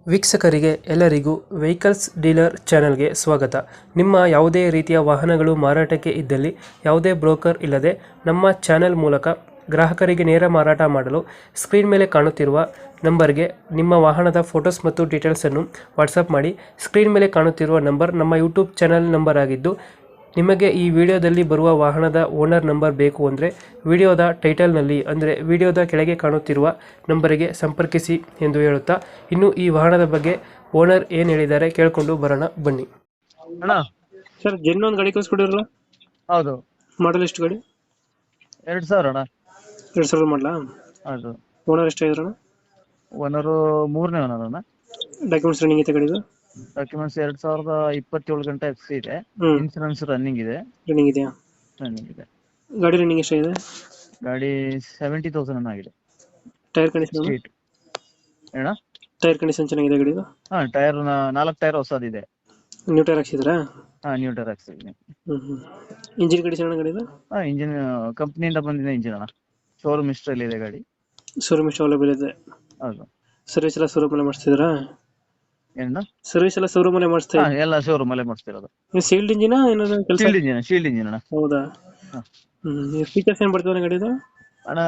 ವೀಕ್ಷಕರಿಗೆ ಎಲ್ಲರಿಗೂ vehicles dealer ಚಾನೆಲ್ಗೆ ಸ್ವಾಗತ. ನಿಮ್ಮ ಯಾವುದೇ ರೀತಿಯ ವಾಹನಗಳು ಮಾರಾಟಕ್ಕೆ ಇದ್ದಲ್ಲಿ ಯಾವುದೇ ಬ್ರೋಕರ್ ಇಲ್ಲದೆ ನಮ್ಮ ಚಾನೆಲ್ ಮೂಲಕ ಗ್ರಾಹಕರಿಗೆ ನೇರ ಮಾರಾಟ ಮಾಡಲು ಸ್ಕ್ರೀನ್ ಮೇಲೆ ಕಾಣುತ್ತಿರುವ ನಂಬರ್ಗೆ ನಿಮ್ಮ ವಾಹನದ ಫೋಟೋಸ್ ಮತ್ತು ಡೀಟೇಲ್ಸನ್ನು ವಾಟ್ಸಪ್ ಮಾಡಿ. ಸ್ಕ್ರೀನ್ ಮೇಲೆ ಕಾಣುತ್ತಿರುವ ನಂಬರ್ ನಮ್ಮ ಯೂಟ್ಯೂಬ್ ಚಾನೆಲ್ ನಂಬರ್ ಆಗಿದ್ದು, ನಿಮಗೆ ಈ ವಿಡಿಯೋದಲ್ಲಿ ಬರುವ ವಾಹನದ ಓನರ್ ನಂಬರ್ ಬೇಕು ಅಂದರೆ ವಿಡಿಯೋದ ಟೈಟಲ್ನಲ್ಲಿ ಅಂದರೆ ವಿಡಿಯೋದ ಕೆಳಗೆ ಕಾಣುತ್ತಿರುವ ನಂಬರಿಗೆ ಸಂಪರ್ಕಿಸಿ ಎಂದು ಹೇಳುತ್ತಾ, ಇನ್ನು ಈ ವಾಹನದ ಬಗ್ಗೆ ಓನರ್ ಏನು ಹೇಳಿದ್ದಾರೆ ಕೇಳಿಕೊಂಡು ಬರೋಣ ಬನ್ನಿ. ಅಣ್ಣ. ಸರ್, ಜೆನ್ ಒಂದು ಗಾಡಿ ಕಳಿಸ್ಕೊಡಿರಲ್ಲ, ಹೌದು. ಮಾಡಲ್ ಎಷ್ಟು ಗಾಡಿ? 2000 ಅಣ್ಣ. 2000 ಮಾಡಲಾ? ಹೌದು. ಓನರ್ ಎಷ್ಟಾಗಿದ್ರಣ? ಓನರು 3ನೇ ಓನರ್ ಅಣ್ಣ. ಡಾಕ್ಯುಮೆಂಟ್ಸ್ ರನ್ನಿಂಗ್ ಐತೆ ಗಾಡಿದು? ಡಾಕ್ಯುಮೆಂಟ್ಸ್ 2027 ಗಂಟೆ ಎಫ್ಸಿ ಇದೆ. ಇನ್ಸೂರೆನ್ಸ್ ರನ್ನಿಂಗ್ ಇದೆ. ರನ್ನಿಂಗ್ ಇದೆಯಾ? ರನ್ನಿಂಗ್ ಇದೆ. ಗಾಡಿ ರನ್ನಿಂಗ್ ಎಷ್ಟಾಗಿದೆ? ಗಾಡಿ 70,000 ಅಣ್ಣ ಆಗಿದೆ. Tyre condition? ಸ್ಟ್ರೀಟ್ ಅಣ್ಣ. ಟೈರ್ ಕಂಡೀಷನ್ ಚೆನ್ನಾಗಿದೆ ಗಾಡಿದು? ಹಾ, ಟೈರ್ 4 ಟೈರ್ ಹೊಸದಿದೆ. ನ್ಯೂ ಟೈರ್ ಹಾಕ್ಸಿದ್ರಾ? ಹಾ, ನ್ಯೂ ಟೈರ್ ಹಾಕ್ಸಿದ್ದೀನಿ. ಇಂಜಿನ್ ಕಂಡೀಷನ್ ಗಾಡಿದು? ಹಾ, ಇಂಜಿನ್ ಕಂಪ್ನಿಯಿಂದ ಬಂದಿದೆ ಇಂಜಿನ್ ಅಣ್ಣ. ಶೋರೂಮ್ ಹಿಸ್ಟ್ರಿಯಲ್ಲಿ ಇದೆ ಗಾಡಿ. ಶೋರೂಮ್ ಎಷ್ಟು ಅವೈಲೇಬಲ್ ಇದೆ? ಹೌದು. ಸರ್ವಿಸ್ ಎಲ್ಲ ಶೋರೂಮ್ ಅಲ್ಲೇ ಮಾಡಿಸ್ತಿದ್ರಾ? ಏನು? ಸರ್ವಿಸ್ ಎಲ್ಲ ಶೋರೂಮ್ ಅಲ್ಲೇ ಮಾಡಿಸ್ತಾ? ಹಾ, ಎಲ್ಲ ಶೋರೂಮ್ ಅಲ್ಲೇ ಮಾಡಿಸ್ತಿರೋದು. ಸೀಲ್ಡ್ ಇಂಜಿನ್ ಏನಾದ್ರು ಕೆಲಸ? ಶೀಲ್ಡ್ ಇಂಜಿನ್ ಅಣ್ಣ. ಹೌದಾ? ಹಾ. ಫೀಚರ್ಸ್ ಏನ್ ಬರ್ತದೆ ಗಾಡಿದು? ಅಣ್ಣ,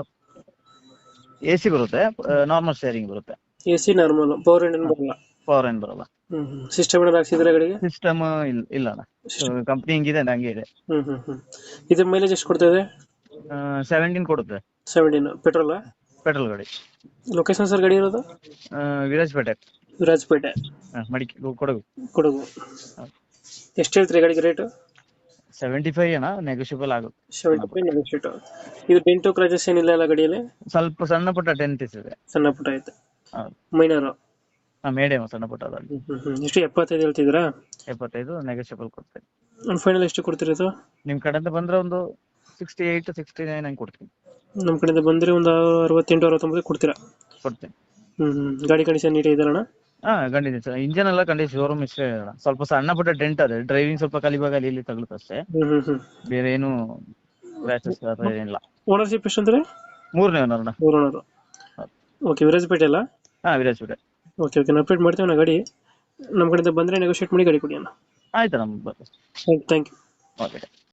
AC ಬರುತ್ತೆ, ನಾರ್ಮಲ್ ಸ್ಟೇರಿಂಗ್ ಬರುತ್ತೆ. AC ನಾರ್ಮಲ್, ಪವರ್ ಇಂಜಿನ್ ಬರಲ್ಲ? ಪವರ್ ಏನ್ ಬರಲ್ಲ. ಸಿಸ್ಟಮ್ ಏನಾದ್ರು ಹಾಕ್ಸಿದ್ರೆ ಗಾಡಿಗೆ? ಸಿಸ್ಟಮ್ ಇಲ್ಲ ಅಣ್ಣ. ಕಂಪ್ನಿ ಹಿಂಗಿದೆ ಹಂಗೆ ಇದೆ. ಇದು ಮೈಲೇಜ್ ಎಷ್ಟು ಕೊಡ್ತಾ ಇದೆ? 17 ಕೊಡುತ್ತೆ. 17 ಪೆಟ್ರೋಲ್? ಪೆಟ್ರೋಲ್ ಗಾಡಿ. ಲೊಕೇಶನ್ ಸರ್ ಗಾಡಿ ಇರೋದು? ವಿರಾಜಪೇಟೆ. ವಿರಾಜಪೇಟೆ, ಕೊಡಗು. ಕೊಡಗು. ಎಷ್ಟು ಹೇಳ್ತೀರಿ ಗಾಡಿಗೆ ರೇಟ್? 75 ಅಣ್ಣ, ನೆಗೋಷಿಯಬಲ್ ಆಗುತ್ತೆ. 75 ನೆಗೋಷಿಯೇಟ್. ಇದು ಡೆಂಟು ಕ್ರಾಚಸ್ ಏನಿಲ್ಲ ಅಲ್ಲ ಗಾಡಿಯಲ್ಲಿ? ಸ್ವಲ್ಪ ಸಣ್ಣ ಪುಟ್ಟ ಡೆಂಟ್ ಇದೆ. ಸಣ್ಣ ಪುಟ್ಟ ಐತೆ. ಹೌದು. ಮೈನರ್? ಮೀಡಿಯಂ ಸಣ್ಣ ಪುಟ್ಟ ಅದಲ್ಲಿ. ಎಷ್ಟು 75 ಹೇಳ್ತಿದ್ರಾ? 75 ನೆಗೋಷಿಯಬಲ್ ಕೊಡ್ತೇನೆ. ಒಂದು ಫೈನಲ್ ಎಷ್ಟು ಕೊಡ್ತೀರಿ ಇದು? ನಿಮ್ ಕಡೆಯಿಂದ ಬಂದ್ರೆ ಒಂದು 68 69 ಹಂಗೆ ಕೊಡ್ತೀನಿ. ನಮ್ಮ ಕಡೆಯಿಂದ ಬಂದ್ರೆ ಒಂದು 68 69 ಕೊಡ್ತೀರಾ? ಕೊಡ್ತೀನಿ. ಗಾಡಿ ಕಂಡೀಷನ್ ನೀಟ್ ಇದೆಯಲ್ಲ? ಹಾ, ಕಂಡಿದ್ದೀನಿ ಸರ್. ಇಂಜಿನ್ ಎಲ್ಲ ಕಂಡೀಷನ್ ಶೋರೂಮ್ ಇಷ್ಟೇ ಅಣ್ಣ. ಸ್ವಲ್ಪ ಸಣ್ಣ ಪುಟ್ಟ ಡೆಂಟ್ ಅದೇ, ಡ್ರೈವಿಂಗ್ ಸ್ವಲ್ಪ ಕಲಿವಾಗ ಅಲ್ಲಿ ಇಲ್ಲಿ ತಗಲುತ್ತೆ ಅಷ್ಟೇ. ಬೇರೆ ಏನು ಕ್ರ್ಯಾಚಸ್ ಏನಿಲ್ಲ. ಓನರ್ಶಿಪ್ ಎಷ್ಟು ಅಂದ್ರೆ? 3ನೇ ಓನರ್ ಅಣ್ಣ. 3 ಓನರ್. ಓಕೆ, ವಿರಾಜಪೇಟೆ ಅಲ್ಲ? ಹಾ, ವಿರಾಜಪೇಟೆ. ಓಕೆ ಓಕೆ, ನಾನು ಅಪ್ಡೇಟ್ ಮಾಡ್ತೀವಿ ನಾ ಗಾಡಿ. ನಮ್ಮ ಕಡೆಯಿಂದ ಬಂದರೆ ನೆಗೋಷಿಯೇಟ್ ಮಾಡಿ ಗಾಡಿ ಕೊಡಿ ಅಣ್ಣ. ಆಯ್ತು ನಮ್ಮ. Thank you. ಓಕೆ.